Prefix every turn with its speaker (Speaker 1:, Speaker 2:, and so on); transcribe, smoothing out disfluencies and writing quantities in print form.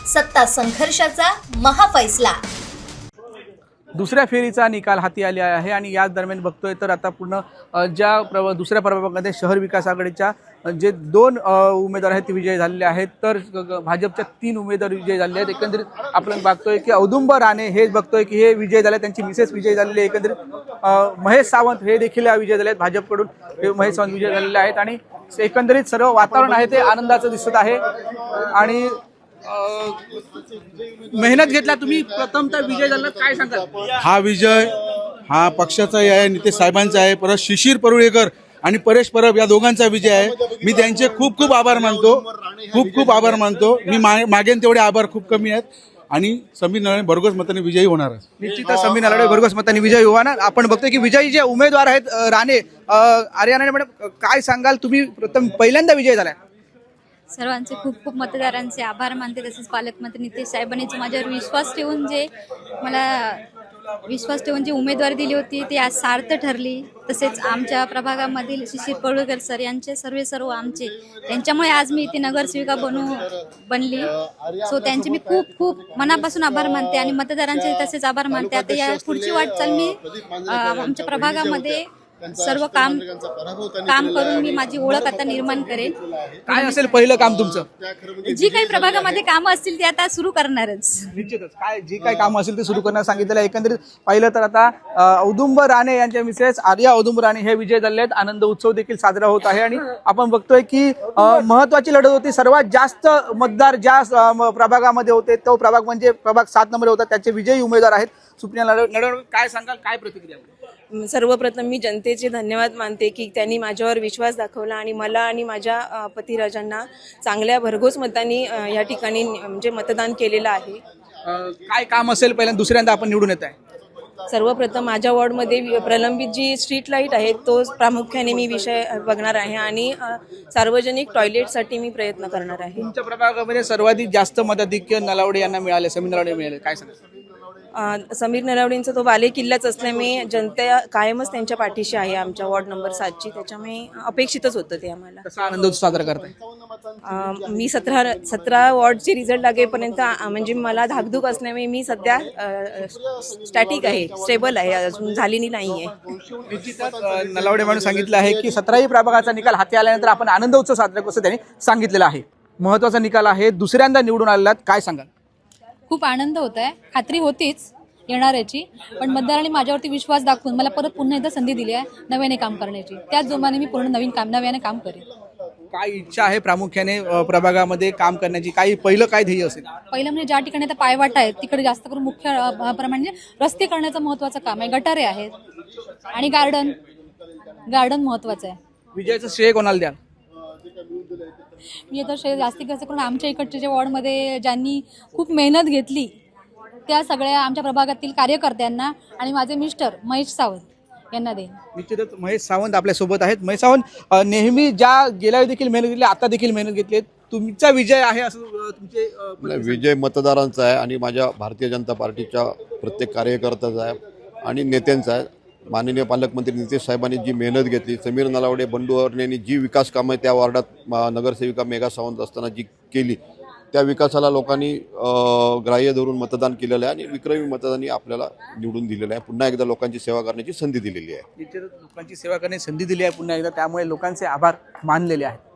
Speaker 1: सत्ता संघर्षाचा महाफैसला।
Speaker 2: दुसऱ्या फेरीचा निकाल हाती आले आहे आणि याच दरम्यान बघतोय तर आता पूर्ण दुसऱ्या प्रभागामध्ये शहर विकास आघाडीच्या जे 2 उमेदवार आहेत ते विजयी झालेले आहेत, तर भाजपच्या 3 उमेदवार विजयी झाले आहेत। एकंदरीत आपण बघतोय की औदुंबर राणे हे बघतोय की हे विजयी झाले, त्यांची मिसेस विजयी झालेली आहे। एकंदरीत महेश सावंत हे देखील विजयी झाले आहेत, भाजपकडून हे महेश सावंत विजयी झालेले आहेत आणि एकंदरीत सर्व वातावरण आहे ते आनंदाचं दिसत आहे। आणि मेहनत घेतला तुम्ही, प्रथमतः विजय झाला, काय सांगाल?
Speaker 3: हा विजय हा पक्षाचाही आहे, नितेश साहेबांचा आहे, परत शिशिर परुळेकर आणि परेश परब या दोघांचा विजय आहे। मी त्यांचे खूप खूप आभार मानतो, खूप आभार मानतो। मी मागेन तेवढे आभार खूप कमी आहेत आणि समीर नलावडे भरघोस मताने विजयी होणार आहे।
Speaker 2: निश्चितच समीर नलावडे भरघोस मताने विजयी होणार। आपण बघतोय की विजयी जे उमेदवार आहेत राणे आर्या मॅडम, काय सांगाल? तुम्ही प्रथम पहिल्यांदा विजयी झालाय।
Speaker 4: सर्वांचे खूप मतदारांचे आभार मानते। तसेच पालकमंत्री नितेश साहेबांनी जो माझ्यावर विश्वास ठेवून जी उमेदवारी दिली होती ती आज सार्थ ठरली। तसेच आमच्या प्रभागामधील शिशिर परुळेकर सर यांचे सर्व आमचे त्यांच्यामुळे आज मी इथे नगरसेविका बनली। सो त्यांचे मी खूप मनापासून आभार मानते आणि मतदारांचे तसेच आभार मानते। आता या पुढची वाटचाल मी आमच्या प्रभागामध्ये सर्व काम करून मी माझी ओळख आता निर्माण करेन।
Speaker 2: काय असेल पहिलं काम तुमचं?
Speaker 4: जी काही प्रभागामध्ये कामं असतील ती आता सुरू करणारच।
Speaker 2: निश्चितच जी काही कामं असतील ते सुरू करण्यास सांगितलेलं आहे। एकंदरीत पाहिलं तर आता औदुंबर राणे यांच्या मिसेस आर्या औदुंबर राणे हे विजय झाले आहेत। आनंद उत्सव देखील साजरा होत आहे आणि आपण बघतोय की महत्वाची लढत होती। सर्वात जास्त मतदार ज्या प्रभागामध्ये होते तो प्रभाग म्हणजे प्रभाग 7 नंबर होता, त्याचे विजयी उमेदवार आहेत सुप्रिया नलावडे। काय सांगाल, काय प्रतिक्रिया?
Speaker 5: सर्वप्रथम मी जनतेचे धन्यवाद मानते की त्यांनी माझ्यावर विश्वास दाखवला आणि मला आणि माझ्या पतिराजांना चांगल्या भरघोस मतांनी या ठिकाणी म्हणजे मतदान केलेलं आहे।
Speaker 2: काय काम असेल पहिल्यांदा दुसऱ्यांदा आपण निवडून येत आहे?
Speaker 5: सर्वप्रथम माझ्या वॉर्डमध्ये प्रलंबित जी स्ट्रीट लाईट आहे तो प्रामुख्याने मी विषय बघणार आहे आणि सार्वजनिक टॉयलेटसाठी मी प्रयत्न करणार आहे।
Speaker 2: तुमच्या प्रभागामध्ये सर्वाधिक जास्त मताधिक्य नलावडे यांना मिळाले, समीर नलावडे मिळाले, काय सांगाल?
Speaker 5: समीर नलावडेंचा तो बाले किल्लाच असल्यामुळे जनता कायमच त्यांच्या पाठीशी आहे आमच्या वॉर्ड नंबर 7ची, त्याच्यामुळे अपेक्षितच होतं ते आम्हाला।
Speaker 2: कसा आनंद साजरा करताय?
Speaker 5: मी 17 वॉर्डचे रिझल्ट लागेपर्यंत म्हणजे मला धाकधूक असल्यामुळे मी सध्या स्टॅटिक आहे, स्टेबल आहे, अजून झालेली नाहीये।
Speaker 2: निश्चितच नलावडे म्हणून सांगितलं आहे की 17ही प्रभागाचा निकाल हाती आल्यानंतर आपण आनंद उत्सव साजरा करू असं त्यांनी सांगितलेलं आहे। महत्वाचा निकाल आहे, दुसऱ्यांदा निवडून आलेला, काय सांगाल?
Speaker 4: खूप आनंद होत आहे, खात्री होतीच येणाऱ्याची, पण मतदारांनी माझ्यावरती विश्वास दाखवून मला परत पुन्हा एकदा संधी दिली आहे नव्याने काम करण्याची। त्याच जोमाने मी पूर्ण नव्याने काम करेन।
Speaker 2: काय इच्छा आहे प्रामुख्याने प्रभागामध्ये काम करण्याची? पहिलं काय ध्येय असेल?
Speaker 4: पहिलं म्हणजे ज्या ठिकाणी आता पायवाटा आहेत तिकडे जास्त करून मुख्य प्रमाणे रस्ते करण्याचं महत्त्वाचं काम आहे। गटारे आहेत आणि गार्डन महत्त्वाचं आहे।
Speaker 2: विजयाचं श्रेय कोणाला द्याल?
Speaker 4: मी आता जास्तीत जास्त करून आमच्या इकडच्या ज्या वॉर्डमध्ये ज्यांनी खूप मेहनत घेतली त्या सगळ्या आमच्या प्रभागातील कार्यकर्त्यांना आणि माझे मिस्टर महेश सावंत यांना देईन।
Speaker 2: निश्चितच महेश सावंत आपल्या सोबत आहेत। महेश सावंत, नेहमी ज्या गेल्या देखील मेहनत घेतली, आता देखील मेहनत घेतली, तुमचा विजय आहे असं तुमचे?
Speaker 6: विजय मतदारांचा आहे आणि माझ्या भारतीय जनता पार्टीच्या प्रत्येक कार्यकर्त्याचा आहे आणि नेत्यांचा आहे। माननीय पालकमंत्री नितेश साहेबांनी जी मेहनत घेतली, समीर नलावडे बंडूवर्णेंनी जी विकास कामं त्या वार्डात नगरसेविका मेघा सावंत असताना जी केली त्या विकासाला लोकांनी ग्राह्य धरून मतदान केलेलं आहे आणि विक्रमी मतदानाने आपल्याला निवडून दिलेलं आहे। पुन्हा एकदा लोकांची सेवा करण्याची संधी दिलेली आहे।
Speaker 2: निश्चितच लोकांची सेवा करण्याची संधी दिली आहे पुन्हा एकदा, त्यामुळे लोकांचे आभार मानलेले आहेत।